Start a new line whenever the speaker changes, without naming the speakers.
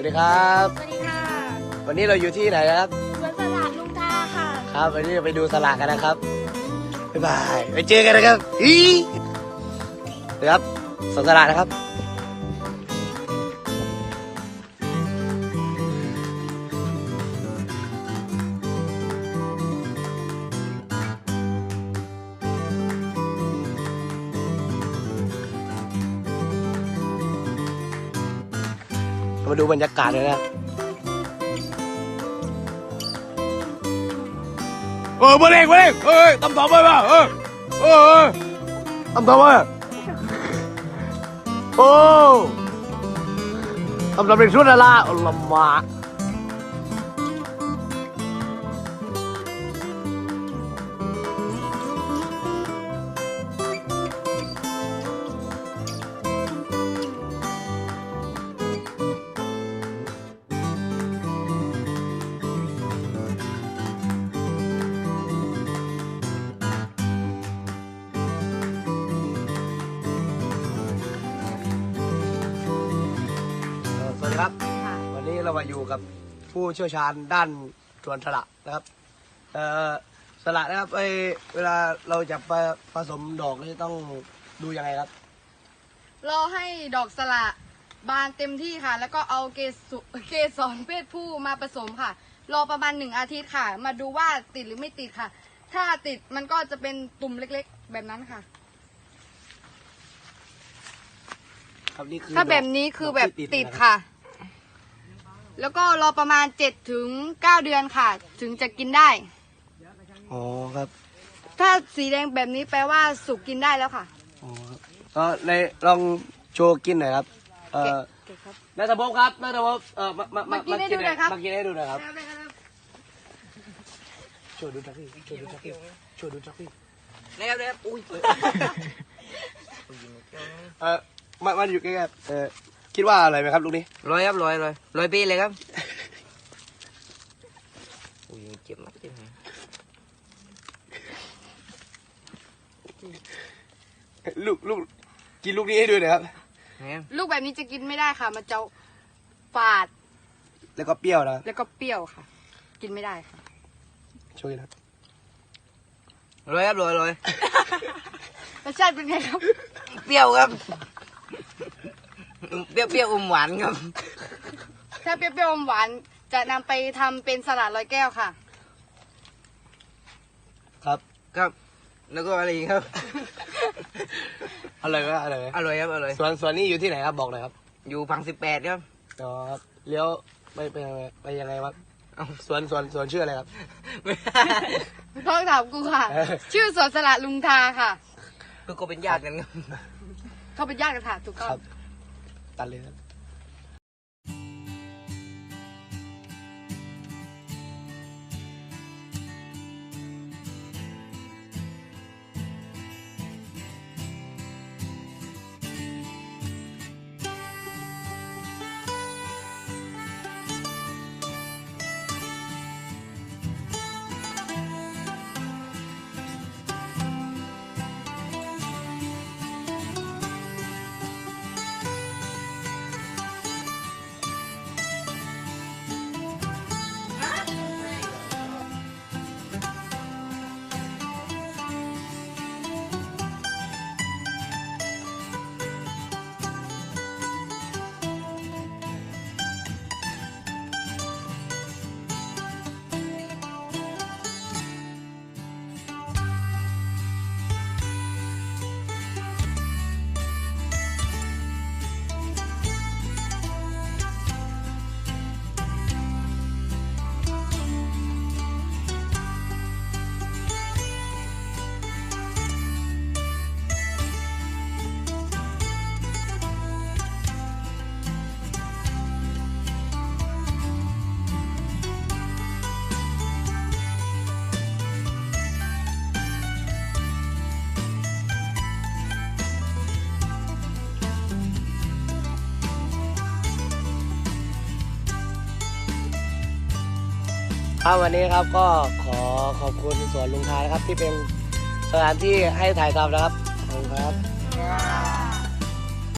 วัสดีครับ
สวัสดีค่ะ
วันนี้เราอยู่ที่ไหนนะครับ
สวนสลัดลุงทาค่ะ
ครับวันนี้เราไปดูสลากกันนะครับบ๊ายบายไปเจอกันนะครับอีนะครับสวนสลากนะครับมาดูบรรยากาศเลยนะมาเล่งเฮ้ยตำต่อไปป่ะตำต่อไปโอ้ตำต่อเป็นชุดอะไรลำบากสวัสดีครับวันนี้เรามาอยู่กับผู้เชี่ยวชาญด้านสวนสละนะครับสละนะครับเวลาเราจะผสมดอกนี่ต้องดูยังไงครับ
รอให้ดอกสละบานเต็มที่ค่ะ แล้วก็เอาเกสรเพศผู้มาผสมค่ะ รอประมาณ1 อาทิตย์ค่ะ มาดูว่าติดหรือไม่ติดค่ะ ถ้าติดมันก็จะเป็นตุ่มเล็กๆ แบบนั้นค่ะ
ครับนี่คือ
ถ้าแบบนี้คือแบบ
ดกที่
ติด
นรับ
ค่ะ แล้วก็รอประมาณ7 ถึง 9 เดือนค่ะ ถึงจะกินได้
อ๋อครับ
ถ้าสีแดงแบบนี้แปลว่าสุกกินได้แล้วค่ะ
อ๋อครับในลองโชว์กินหน่อยครับ
เก็บครับ
นัทภพครับนัทภพ
มากินให้ดูหน่อยครับ
มากินให้ดูหน่อยครับโชว์ดูจักพี่โชว์ดูจักพี่โชว์ดูจักพี่
นะครับอุ้ย
มันอยู่ใกล้ๆคิดว่าอะไรไหมครับลูกนี้
ร้อยครับร้อยปีเลยครับอุ้ยเจ็บมากเจ็บไหม
ลูกกินลูกนี้ให้ดูหน่อยครับ
ลูกแบบนี้จะกินไม่ได้ค่ะ มันจะฝาด
แล้วก็เปรี้ยวนะ
แล้วก็เปรี้ยวค่ะ กินไม่ได้ค่ะ
ช่วยนะ
ร้อยครับร้อย
รสชาติเป็นไงครับ
เปรี้ยวครับเปรี้ยวอมหวานครับ
ถ้าเปรี้ยวๆอมหวานจะนำไปทำเป็นสลัดร้อยแก้วค่ะ
ครับ
ครับ แล้วก็อะไรอีกครับ
อร่อยไหมอร่อยไหม
อร่อยครับอร่อย
สวนนี้อยู่ที่ไหนครับบอกหน่อยครับ
อยู่พัง18ครับ
อ๋อครับเลี้ยวไปยังไงครับสวนชื่ออะไรครับ
ต้องถามกูค่ะ ชื่อสวนสลัดลุงทาค่ะ
คือก็เป็นญาติกันครับ
เขาเป็นญาติกันค่ะถูกต้อ
ค
ง
รับตัดเลยครับ ครับวันนี้ครับก็ขอขอบคุณสวนลุงทานะครับที่เป็นสถานที่ให้ถ่ายทำนะครับขอบคุณครับ